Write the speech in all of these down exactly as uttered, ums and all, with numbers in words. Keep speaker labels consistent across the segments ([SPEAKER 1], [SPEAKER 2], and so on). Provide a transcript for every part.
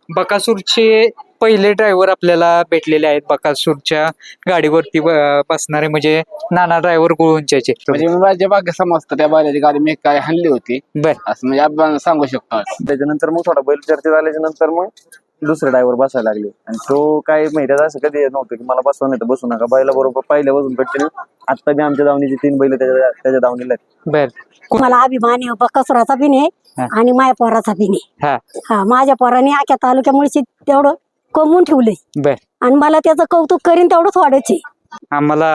[SPEAKER 1] बकासूरचे पहिले ड्रायव्हर आपल्याला भेटलेले आहेत. बकासूरच्या गाडीवरती ब- बसणारे म्हणजे नाना ड्रायव्हर गुळूंच्याचे.
[SPEAKER 2] म्हणजे मी माझ्या बागे समजतं त्या बैलाची गाडी मी काय हाणली होती
[SPEAKER 1] बर
[SPEAKER 2] असं म्हणजे आपण सांगू शकतो.
[SPEAKER 3] त्याच्यानंतर मग थोडा बैल चर्चेत आल्याच्या नंतर मग दुसरे ड्रायव्हर बसायला लागले आणि तो काही माहिती असं कधी येत नव्हतं की मला बसवा नाही तर बसू नका. बैला बरोबर पहिल्या बसून कंटिन्यू आता बी आमच्या दावणीची तीन बैल त्याच्या त्याच्या दावणीला आहेत.
[SPEAKER 1] बर
[SPEAKER 4] मला अभिमान आहे बकासुराचा बी
[SPEAKER 1] हा.
[SPEAKER 4] नाही आणि माझ्या पोराचा बी नाही.
[SPEAKER 1] हा
[SPEAKER 4] हा माझ्या पोराने आख्या तालुक्यामुळे तेवढं कमवून ठेवलंय
[SPEAKER 1] बर
[SPEAKER 4] आणि मला त्याचं कौतुक करीन तेवढंच वाढायचे.
[SPEAKER 1] आम्हाला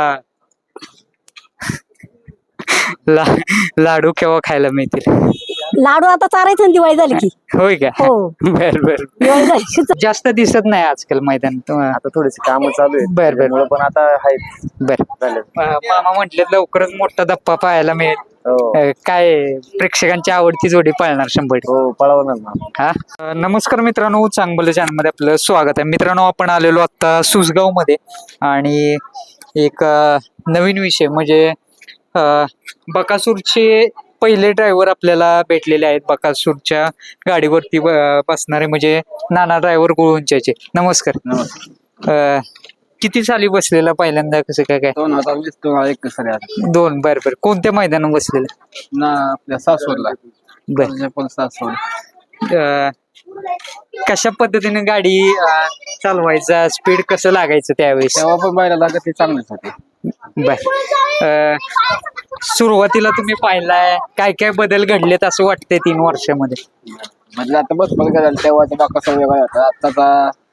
[SPEAKER 1] ला लाडू केव्हा खायला मिळतील?
[SPEAKER 4] लाडू आता चारायचं ना दिवाळी झाली की.
[SPEAKER 1] होय का?
[SPEAKER 4] हो
[SPEAKER 1] बर बर.
[SPEAKER 4] दिवाळी झाली की
[SPEAKER 1] जास्त दिसत नाही आजकाल मैदान.
[SPEAKER 3] आता थोडीशी कामं चालू आहेत
[SPEAKER 1] बर बर
[SPEAKER 3] त्यामुळं पण आता आहेत
[SPEAKER 1] बर.
[SPEAKER 3] झाले.
[SPEAKER 1] अं, मामा म्हटले लवकरच मोठा धप्पा पाहायला मिळेल.
[SPEAKER 3] हो
[SPEAKER 1] अं, काय प्रेक्षकांची आवडती जोडी पाळणार शंभर टक्के.
[SPEAKER 3] हो पळवणार ना.
[SPEAKER 1] हा अं, नमस्कार मित्रांनो, चांगलं चॅनल मध्ये आपलं स्वागत आहे. मित्रांनो, आपण आलेलो आता सुसगाव मध्ये आणि एक अं, नवीन विषय म्हणजे अं, बकासूरचे पहिले ड्रायव्हर आपल्याला भेटलेले आहेत. बकासूरच्या गाडीवरती ब- बसणारे म्हणजे नाना ड्रायव्हर गुळूंच्याचे. नमस्कार.
[SPEAKER 2] नमस्कार.
[SPEAKER 1] अं, किती साली बसलेला पहिल्यांदा, कसं काय काय?
[SPEAKER 2] दोन हजार वीस दोन हजार एकवीस साली आले.
[SPEAKER 1] दोन. बर बर. कोणत्या मैदानावर बसलेलं?
[SPEAKER 2] ना आपल्या सासवडला
[SPEAKER 1] बर.
[SPEAKER 2] पण सासवड
[SPEAKER 1] अं, कशा पद्धतीने गाडी अं, चालवायचा, स्पीड कसं लागायचं त्यावेळेस?
[SPEAKER 2] तेव्हा पण बैलाला गती चांगलीच होती.
[SPEAKER 1] बर. अं, सुरुवातीला तुम्ही पाहिलाय काय काय बदल घडलेत असं वाटतंय तीन वर्षामध्ये?
[SPEAKER 2] म्हणजे आता बस बघ झालं तेव्हा बाकासा वेगळा होता आताचा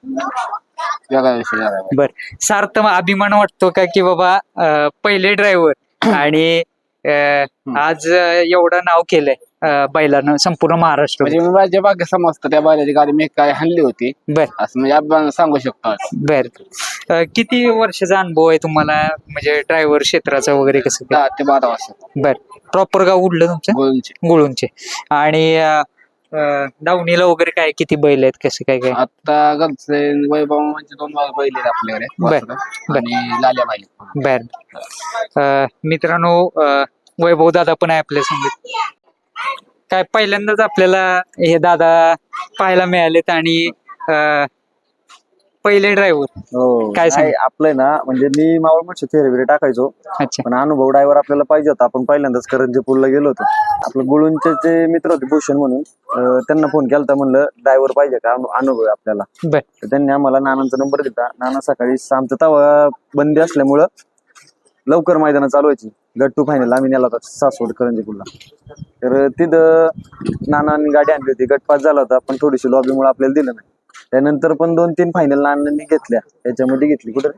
[SPEAKER 2] वेगळा विषय झाला.
[SPEAKER 1] बर. सार्थ अभिमान वाटतो का की बाबा अं, पहिले ड्रायव्हर आणि अं, आज अं, एवढं नाव केलंय अं, बैलानं संपूर्ण महाराष्ट्र?
[SPEAKER 2] म्हणजे मी माझ्या बागे समजतं त्या बैलाची गाडी मी काय हाणली होती
[SPEAKER 1] बर
[SPEAKER 2] असं म्हणजे आपण सांगू शकतो.
[SPEAKER 1] बर. अं, किती वर्षाचा अनुभव आहे तुम्हाला म्हणजे ड्रायव्हर क्षेत्राचा वगैरे, कसं काय?
[SPEAKER 2] दहा ते बारा वर्ष
[SPEAKER 1] बर. प्रॉपर गाव उडलं तुमचं?
[SPEAKER 2] गोलची.
[SPEAKER 1] गुळूंचे. आणि अं, अं, दावणीला वगैरे काय किती बैल आहेत, कसं काय काय?
[SPEAKER 2] आता घरचे वैभव म्हणजे दोन बैल आहेत आपल्याकडे
[SPEAKER 1] बर.
[SPEAKER 2] वासरं आणि लाल्या बैल.
[SPEAKER 1] बर. अं, मित्रांनो, अं, वैभव दादा पण आहे आपल्या संगीत. काय पहिल्यांदाच आपल्याला हे दादा पाहायला मिळालेत आणि अं, पहिले ड्रायव्हर.
[SPEAKER 3] हो
[SPEAKER 1] काय सांग-
[SPEAKER 3] नाही, आपलंय ना म्हणजे मी मावळ मच्छी फेरे बिरे टाकायचो
[SPEAKER 1] अच्छा.
[SPEAKER 3] पण अनुभव ड्रायव्हर आपल्याला पाहिजे होता. आपण पहिल्यांदाच करंजीपूरला गेलो होतो. आपलं गुळूंचे जे मित्र होते भूषण म्हणून, अं, त्यांना फोन केला म्हणलं ड्रायव्हर पाहिजे का, अनु- अनुभव आहे आपल्याला.
[SPEAKER 1] बर
[SPEAKER 3] तर त्यांनी आम्हाला नानांचा नंबर दिला. नाना सकाळी आमचं तवा बंदी असल्यामुळं लवकर मैदानं चालू व्हायची. गट टू फायनल आम्ही नेला होता सासवड करंजीपूरला. तर तिथं नानांनी गाडी आणली होती. गट पास झाला होता पण थोडीशी लॉबीमुळे आपल्याला दिलं नाही. त्यानंतर पण दोन तीन फायनल नानांनी घेतल्या. त्याच्यामध्ये घेतली कुठं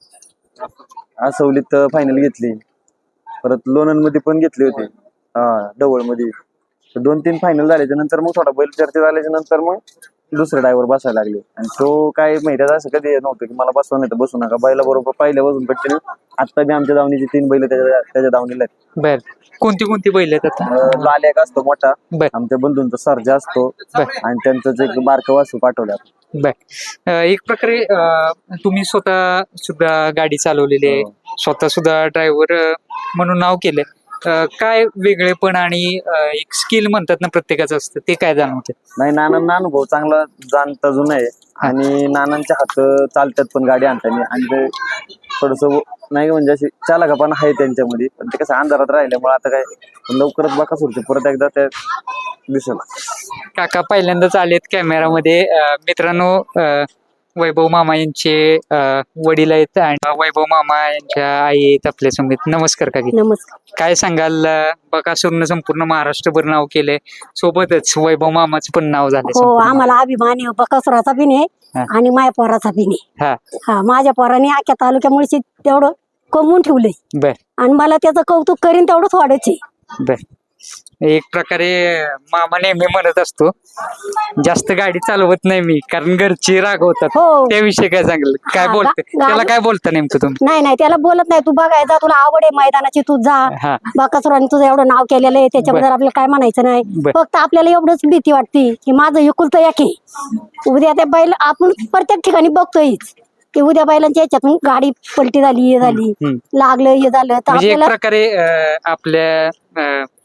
[SPEAKER 3] आसवलीत फायनल घेतली, परत लोणंद मध्ये पण घेतली होती, हा डवळ मध्ये. तर दोन तीन फायनल झाल्याच्या नंतर मग थोडा बैल चर्चेत आल्याच्या नंतर मग दुसरे ड्रायव्हर बसायला लागले आणि तो काय माहिती असं कधी येत नव्हतं की मला बसवा नाही तर बसू नका. बैला बरोबर पहिल्या बसून कंटिन्यू आता बी आमच्या दावणीची तीन बैल त्याच्या त्याच्या दावणीला आहेत.
[SPEAKER 1] बर. कोणती कोणती बैल आहेत आता?
[SPEAKER 3] अं, लाल एक असतो मोठा,
[SPEAKER 1] बर
[SPEAKER 3] आमच्या बंधूंचा सर्जा असतो आणि त्यांचंच एक बारकं वासू पाठवलं.
[SPEAKER 1] बर. अं, एक प्रकारे अं, तुम्ही स्वतः सुद्धा गाडी चालवलेली आहे, स्वतः सुद्धा ड्रायव्हर म्हणून नाव केलंय. अं, काय वेगळेपण आणि अं, एक स्किल म्हणतात ना प्रत्येकाचं असतं, ते काय जाणवतं?
[SPEAKER 3] नाही, नानांना अनुभव चांगला जाणता जुना आहे आणि नानांच्या हात चालतात पण गाडी आणताना आणि ते थोडस नाही म्हणजे अशी चालकापणा आहे त्यांच्यामध्ये. पण ते कसं अंधारात राहिल्यामुळे आता काय पण लवकरच बकासूरचे परत एकदा त्या दिसेल.
[SPEAKER 1] काका पहिल्यांदाच आलेत कॅमेरामध्ये. अं, मित्रांनो, अं, वैभव मामा यांचे अं, वडील आहेत आणि वैभव मामा यांच्या आई आहेत आपल्या समोर. नमस्कार काकी.
[SPEAKER 4] नमस्कार.
[SPEAKER 1] काय सांगाल? अं, बकासूरनं संपूर्ण महाराष्ट्रभर नाव केलंय, सोबतच वैभव मामाचं पण नाव झालंय
[SPEAKER 4] हो
[SPEAKER 1] संपूर्ण.
[SPEAKER 4] आम्हाला अभिमान आहे बकासुराचा बी नाही
[SPEAKER 1] हा.
[SPEAKER 4] आणि माझ्या पोराचा बी नाही.
[SPEAKER 1] हा
[SPEAKER 4] हा माझ्या पोराने आख्या तालुक्यामुळे तेवढं कमवून ठेवलंय
[SPEAKER 1] बर
[SPEAKER 4] आणि मला त्याचं कौतुक करीन तेवढंच वाढायचे.
[SPEAKER 1] बर. एक प्रकारे मामा नेहमी म्हणत असतो जास्त गाडी चालवत नाही मी कारण घरची रागवतात.
[SPEAKER 4] हो.
[SPEAKER 1] त्याविषयी काय सांगल? काय
[SPEAKER 4] हा,
[SPEAKER 1] बोलते
[SPEAKER 4] गा-
[SPEAKER 1] त्याला? काय बोलता नेमकं तुम्ही?
[SPEAKER 4] नाही नाही त्याला बोलत नाही, तू बघायचा तुला आवड आहे मैदानाची तू जा.
[SPEAKER 1] हा
[SPEAKER 4] बकासुराने तुझं एवढं नाव केलेलं आहे त्याच्याबद्दल
[SPEAKER 1] बर.
[SPEAKER 4] आपल्याला काय म्हणायचं नाही.
[SPEAKER 1] बर.
[SPEAKER 4] फक्त आपल्याला एवढंच भीती वाटते की माझं एकुलतं एक आहे. उद्या ते बैल आपण प्रत्येक ठिकाणी बघतोयच की उद्या बैलांच्या याच्यातून गाडी पलटी झाली, हे झाली,
[SPEAKER 1] हम्म.
[SPEAKER 4] लागलं, हे झालं तर
[SPEAKER 1] म्हणजे एक
[SPEAKER 4] आपल्याला
[SPEAKER 1] प्रकारे अं, आपल्या अं,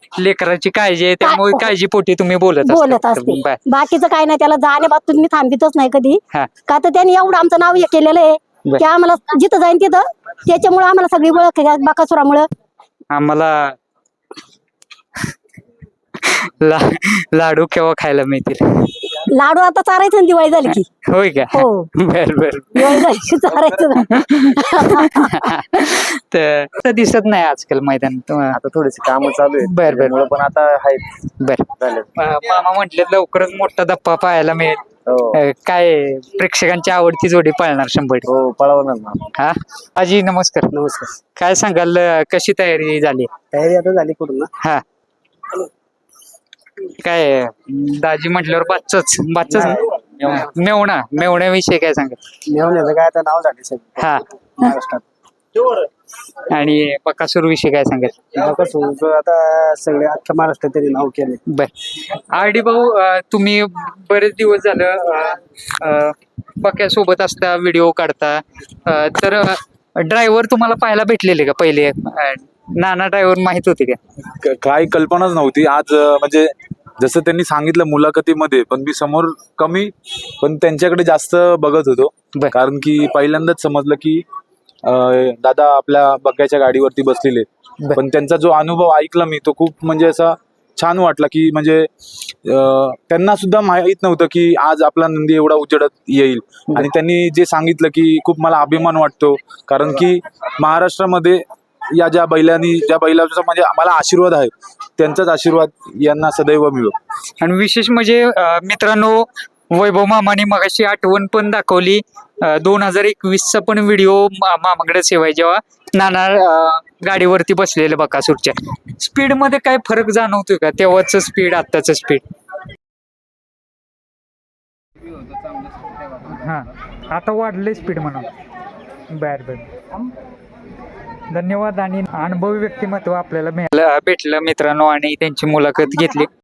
[SPEAKER 1] लेकराची काळजी आहे त्यामुळे काळजीपोटी तुम्ही बोलत
[SPEAKER 4] बोलत
[SPEAKER 1] असता.
[SPEAKER 4] असते
[SPEAKER 1] बर.
[SPEAKER 4] बाकीचं काय नाही, त्याला जाण्याबाबतीत मी थांबितच नाही कधी.
[SPEAKER 1] हा.
[SPEAKER 4] का तर त्यांनी एवढं आमचं नाव हे केलेलं आहे
[SPEAKER 1] बर.
[SPEAKER 4] की आम्हाला जिथं जाईन तिथं त्याच्यामुळे आम्हाला सगळी ओळख आहे बकासुरामुळं.
[SPEAKER 1] आम्हाला ला लाडू केव्हा खायला मिळतील?
[SPEAKER 4] लाडू आता चारायचं ना, दिवाळी झाली की.
[SPEAKER 1] होय का?
[SPEAKER 4] हो.
[SPEAKER 1] बर बर.
[SPEAKER 4] दिवाळी झाली की चारायचं ना.
[SPEAKER 1] तर तर दिसत नाही आजकाल मैदान.
[SPEAKER 3] आता थोडेसे काम चालू आहेत
[SPEAKER 1] बर, बर.
[SPEAKER 3] त्यामुळं पण आता आहेत
[SPEAKER 1] बर.
[SPEAKER 3] झालेत.
[SPEAKER 1] अं, मामा म्हटले लवकरच मोठा धप्पा पाहायला मिळेल.
[SPEAKER 3] हो
[SPEAKER 1] अं, काय प्रेक्षकांची आवडती जोडी पळणार शंभर टक्के.
[SPEAKER 3] हो पळवणार ना.
[SPEAKER 1] हा आजी नमस्कार.
[SPEAKER 2] नमस्कार.
[SPEAKER 1] काय सांगाल अं, कशी तयारी झाली?
[SPEAKER 2] तयारी आता झाली पूर्ण.
[SPEAKER 1] हा काय अं, दाजी म्हटल्यावर बाच्चाच बाच्चाच मेवणा मेवण्याविषयी काय सांगाल?
[SPEAKER 2] मेवण्याचं काय आता नाव झाले सगळं
[SPEAKER 1] हा
[SPEAKER 2] महाराष्ट्रात.
[SPEAKER 1] आणि बकासूर विषयी काय सांगाल?
[SPEAKER 2] बकासूरचं आता सगळे अख्ख्या महाराष्ट्रात तरी नाव केले.
[SPEAKER 1] बर. आर डी भाऊ अं, तुम्ही बरेच दिवस झालं बक्यासोबत असता, व्हिडिओ काढता, अं, तर ड्रायव्हर तुम्हाला पाहायला भेटलेले का पहिले? अं, नाना ड्रायव्हर माहित होते का?
[SPEAKER 5] क- काही कल्पनाच नव्हती. आज अं, म्हणजे जसं त्यांनी सांगितलं मुलाखतीमध्ये, पण मी समोर कमी पण त्यांच्याकडे जास्त बघत होतो.
[SPEAKER 1] बर.
[SPEAKER 5] कारण की पहिल्यांदाच समजलं की अं, दादा आपल्या बग्याच्या गाडीवरती बसलेले.
[SPEAKER 1] बर.
[SPEAKER 5] पण त्यांचा जो अनुभव ऐकला मी तो खूप म्हणजे असा छान वाटला की म्हणजे अं, त्यांना सुद्धा माहित नव्हतं की आज आपला नंदी एवढा उजेडत येईल. आणि त्यांनी जे सांगितलं की खूप मला अभिमान वाटतो, कारण की महाराष्ट्रामध्ये या ज्या बैलांनी ज्या बैलाचा म्हणजे आम्हाला आशीर्वाद आहे त्यांचाच आशीर्वाद यांना सदैव मिळो.
[SPEAKER 1] आणि विशेष म्हणजे अं, मित्रांनो, वैभव मामाने मगाशी आठवण पण दाखवली. दोन हजार एकवीसचा पण व्हिडिओ मामाकडे सेवाय जेव्हा नाना अं, गाडीवरती बसलेले बकासूरच्या. स्पीड मध्ये काय फरक जाणवतोय का? तेव्हाच स्पीड आत्ताच स्पीड? हा आता वाढले स्पीड म्हणून. बर बर. धन्यवाद. आणि अनुभवी व्यक्तिमत्व आपल्याला मिळालं भेटलं मित्रांनो आणि त्यांची मुलाखत घेतली.